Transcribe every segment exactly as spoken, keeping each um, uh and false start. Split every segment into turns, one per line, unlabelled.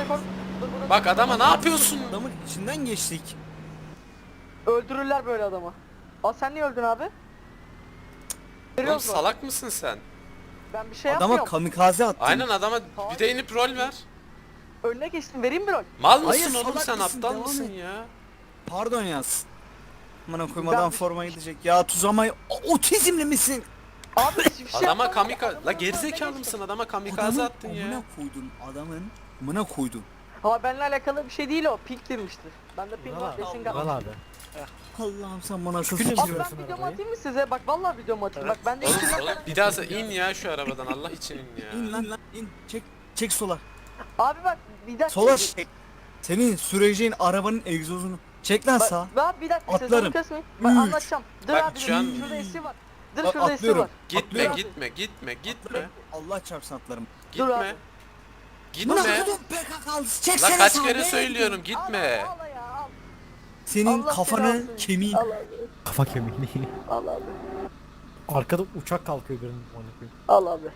kork. Dur, dur, dur.
Bak adama ne yapıyorsun?
Adamın içinden geçtik.
Öldürürler böyle adamı. Aa sen niye öldün abi?
Oğlum
Görüyoruz mu?
salak mısın sen?
Ben bir şey
Adama
yapmıyorum.
kamikaze attın.
Aynen adama bir de inip rol ver.
Önüne geçtim, vereyim bir rol.
Mal
Hayır,
mısın oğlum
salak
sen,
mısın?
aptal
Devam
mısın
et.
ya?
Pardon yaz. Bana
Ben
koymadan
bir-
forma gidecek. Ya tuzamayı otizmli misin?
Abi hiçbir şey
Adama
yapmadım.
kamikaze...
Adamın
La
önüne
gerizekalı
geçtim.
mısın? Adama kamikaze
Adamın
attın ya.
amına koydun. Adamın amına koydun.
Ha benimle alakalı bir şey değil o. Pink demiştir. Ben de pink var. Desin
Allah.
gal.
abi.
Allah'ım sen bana şu
Günü
Abi
fikri ver.
ben videomu atayım mı size? Bak vallahi videomu atayım. Bak ben de
Oğlum,
içinden
oğlum bir daha in ya şu arabadan, Allah için in ya.
İn lan lan in. Çek çek sola.
Abi bak bir dakika.
Sola çek. Senin süreceğin arabanın egzozunu. Çek lan sağa.
Bak, bak bir dakika
Atlarım.
sezonu kesmeyin. Bak
Üç.
anlatacağım. Dur
Bak,
abi
şu
dur.
an-
Şurada esi var. Dur
Bak,
şurada esi
atlıyorum.
var.
Gitme
Atlıyorum.
gitme gitme gitme.
Allah çarpsın atlarım.
Dur abi.
Gitme.
Buna
Gitme.
koydum P K K'lı.
La
Çeksene
kaç
sağa
kere
be.
söylüyorum
Al,
gitme.
al, al ya, al.
Senin
Allah
kafanı
seni alsın.
kemiğin.
Al abi.
Kafa kemiği.
Al abi.
Arkada uçak kalkıyor birinin. Onu koyayım.
Al abi.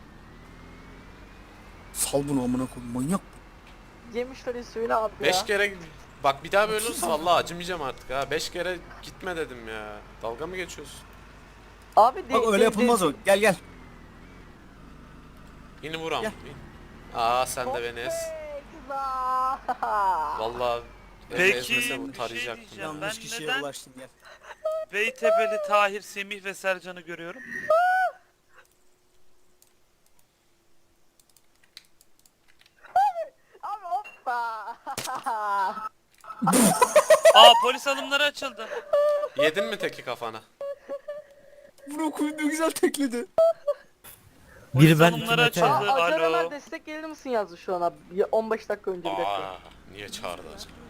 Sal bunu amına koyayım manyak.
Yemişler suyunu abi ya.
Beş kere bak, bir daha böyle olursa vallahi acımayacağım artık ha. Beş kere gitme dedim ya. Dalga mı geçiyorsun?
Abi de,
Bak öyle
de-
yapılmaz
de-
o. Gel gel.
Yine vuram.
Gel.
Aa sen de beni ez.
Hey, kızlar.
Vallahi
Peki,
ezmese bu
bir şey
tarayacaktım.
diyeceğim.
ya.
Yanlış
Ben
kişiye
neden-
ulaştın gel.
Beytepe'li Tahir, Semih ve Sercan'ı görüyorum.
Abi hoppa.
Aa, polis alımları açıldı.
Yedin mi teki kafana?
Bunu koyduğu güzel tekledi.
Biri ben iki
alımları
Mete.
açıldı.
Aa, Acar
Alo.
Ömer destek gelir misin yazdı şu an abi. Ya on beş dakika önce bir dakika.
Aa, niye çağırdı acaba?